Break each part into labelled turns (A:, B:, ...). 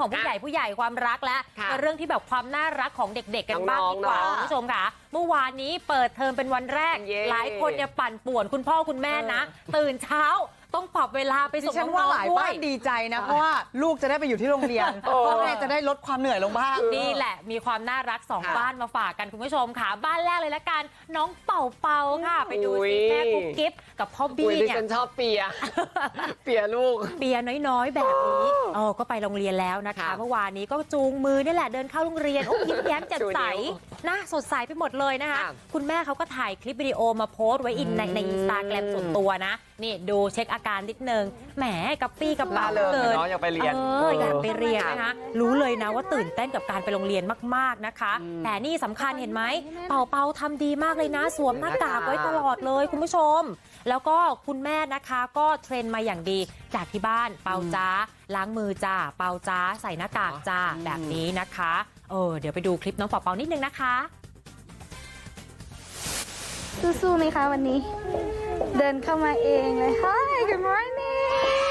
A: ของผู้ใหญ่ความรักและเรื่องที่แบบความน่ารักของเด็กๆกันบ้างดีกว่าคุณผู้ชมค่ะเมื่อวานนี้เปิดเทอมเป็นวันแรกหลายคนเนี่ยปั่นป่วนคุณพ่อคุณแม่นะตื่นเช้าต้องปรับเวลาไปส่งน้องๆด้วยหลายบ้าน
B: ดีใจนะเพราะว่าลูกจะได้ไปอยู่ที่โรงเรียนพ่อแม่จะได้ลดความเหนื่อยลงบ้าง
A: นี่แหละมีความน่ารัก2บ้านมาฝากกันคุณผู้ชมค่ะบ้านแรกเลยละกันน้องเป่าค่ะไปดูสิแม่กุ๊กกิ๊บกับพ่อบี้เนี่ย
C: ฉันชอบเปียลูก
A: เปียน้อยๆแบบนี้ก็ไปโรงเรียนแล้วนะคะเมื่อวานนี้ก็จูงมือนี่แหละเดินเข้าโรงเรียนยิ้มแย้มแจ่มใสนะสดใสไปหมดเลยนะคะคุณแม่เขาก็ถ่ายคลิปวิดีโอมาโพสต์ไว้ในอินสตาแกรมส่วนตัวนะนี่ดูเช็คอาการนิดนึงแหมกับปี้กับป๋า
C: เกินอยากไปเรียน
A: อยากไปเรียนนะคะรู้เลยนะว่าตื่นเต้นกับการไปโรงเรียนมากๆนะคะแต่นี่สำคัญเห็นไหมเป่าทำดีมากเลยนะสวมหน้ากากไว้ตลอดเลยคุณผู้ชมแล้วก็คุณแม่นะคะก็เทรนมาอย่างดีจากที่บ้านเป่าจ้าล้างมือจ้าเป่าจ้าใส่หน้ากากจ้าแบบนี้นะคะเดี๋ยวไปดูคลิปน้องเป่านิดนึงนะคะ
D: สู้ๆไหมคะวันนี้เดินเข้ามาเองเลย Hi good morning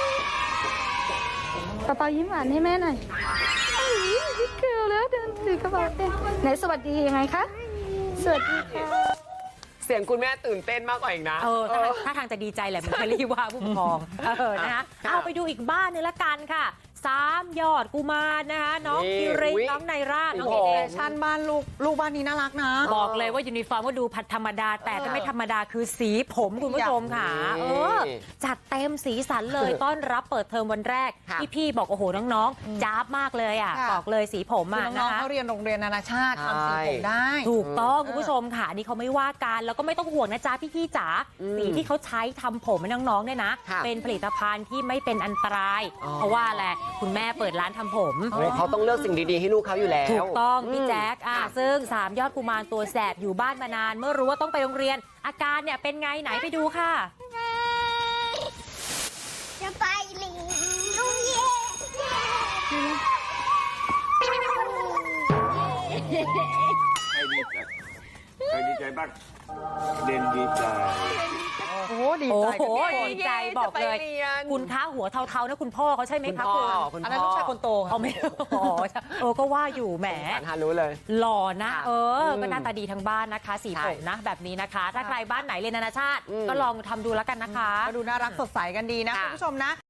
D: เป่ายิ้มหวานให้แม่หน่อยพี่เกลแล้วเดินถือกระเป๋าเองไหนสวัสดียังไงคะสวัสดีค่ะ
C: เสียงคุณแม่ตื่นเต้นมากกว่าอีกนะ
A: ถ้าทางจะดีใจแหละเหมือนเคลลี่ว่าผู้ปกครองนะคะเอาไปดูอีกบ้านนึงละกันค่ะ3 ยอดกุมารนะคะน้องคิริน้องไนร่าน้องเอ
B: ชั่นบ้านลูกบ้านนี้น่ารักนะ
A: บอกเลยว่ายูนิฟอร์มก็ดูพัดธรรมดาแต่จะไม่ธรรมดาคือสีผมคุณผู้ชมค่ะจัดเต็มสีสันเลยต้อนรับเปิดเทอมวันแรกพี่บอกโอ้โหน้องๆจ้าบมากเลยอ่ะบอกเลยสีผมอ่ะ
B: น้องเขาเรียนโรงเรียนนานาชาติทำสีผมได้
A: ถูกต้องคุณผู้ชมค่ะนี่เขาไม่ว่ากันแล้วก็ไม่ต้องห่วงนะจ๊ะพี่จ๋าสีที่เขาใช้ทำผมให้น้องๆเนี่ยนะเป็นผลิตภัณฑ์ที่ไม่เป็นอันตรายเพราะว่าอะไรคุณแม่เปิดร้านทำผม
C: เขาต้องเลือกสิ่งดีๆให้ลูกเขาอยู่แล้ว
A: ถูกต้องพี่แจ๊คซึ่ง3 ยอดกุมารตัวแสบอยู่บ้านมานานเมื่อรู้ว่าต้องไปโรงเรียนอาการเนี่ยเป็นไงไหนไปดูค่ะ
D: จะไปโรงเรียน
E: ใครดีใจบ้างเด่นดีใจ
B: โอ้ดี
A: ใจบอกเลยคุณคะหัวเทาๆนะคุณพ่อเขาใช่ไหมคะ
B: คุณอันนั้นลูกชายคนโต
A: เอาไม่ก็ว่าอยู่แหม
C: รู้เลย
A: หล่อนะก็หน้าตาดีทั้งบ้านนะคะสีผมนะแบบนี้นะคะถ้าใครบ้านไหนเรียนนานาชาติก็ลองทำดูแล้วกันนะคะ
B: ก็ดูน่ารักสดใสกันดีนะคุณผู้ชมนะ